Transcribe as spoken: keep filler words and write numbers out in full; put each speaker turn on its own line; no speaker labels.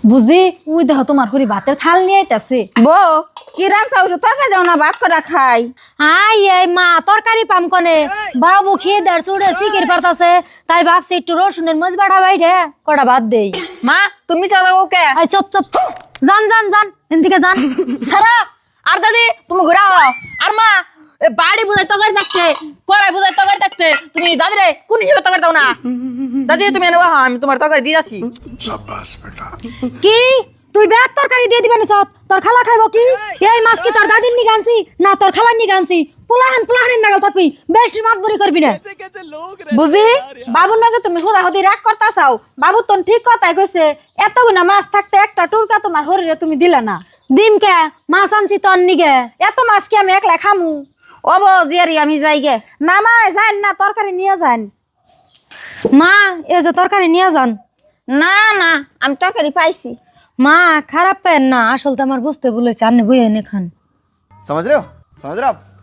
বুঝি ওই দেখো তোমার হরি ভাতের থাল নিয়ে আইতাছে।
বউ কি রাখছাও তরকারি দাও না ভাত কটা খাই।
আই এই মা তরকারি পাম কনে বাবু খেয়ে দেড় চুড়ে চিকের পারতাছে তাই ভাবছি একটু রসুনের মজ বাড়া বাইরে কটা ভাত দেই।
মা তুমি চাও ওকে
আই চপ চপ জান জান জান এদিকে জান
সারা আর দাদি তুমি ঘুরা হও আর মা এ বাড়ি বুঝাই তরকারি থাকতে পড়াই বুঝাই তরকারি থাকতে তুমি দাদি রে কোন হিসেবে তরকারি দাও না দাদি তুমি এনে হা আমি তোমার তরকারি দিয়ে যাচ্ছি।
शाबाश बेटा।
কি তুই ব্যাগ তরকারি দিয়ে দিবেন সব তোর খালা খাইব কি এই মাছ কি তোর দাদির নি গানছি না তোর খালার নি গানছি পোলাহান পোলাহানের নাগাল থাকবি বেশি মাতবরি করবি না।
বুঝি বাবুর নাকি তুমি হুদা হুদি রাগ করতা চাও বাবু তো ঠিক কথাই কইছে এতগুনা মাছ থাকতে একটা টুরকা তোমার শরীরে তুমি দিলা না।
ডিম কে মাছ আনছি তোর নিগে
এত মাছ কি আমি একলা খামু ও বো জিয়ারি আমি যাই গে না মা যান না তরকারি নিয়ে যান।
মা এই যে তরকারি নিয়ে যান।
না না আমি তরকারি পাইছি।
মা খারাপ পেন না আসল তো আমার বুঝতে বলেছে আপনি বই এনে খান।
समझ रहे हो समझ रहे हो आप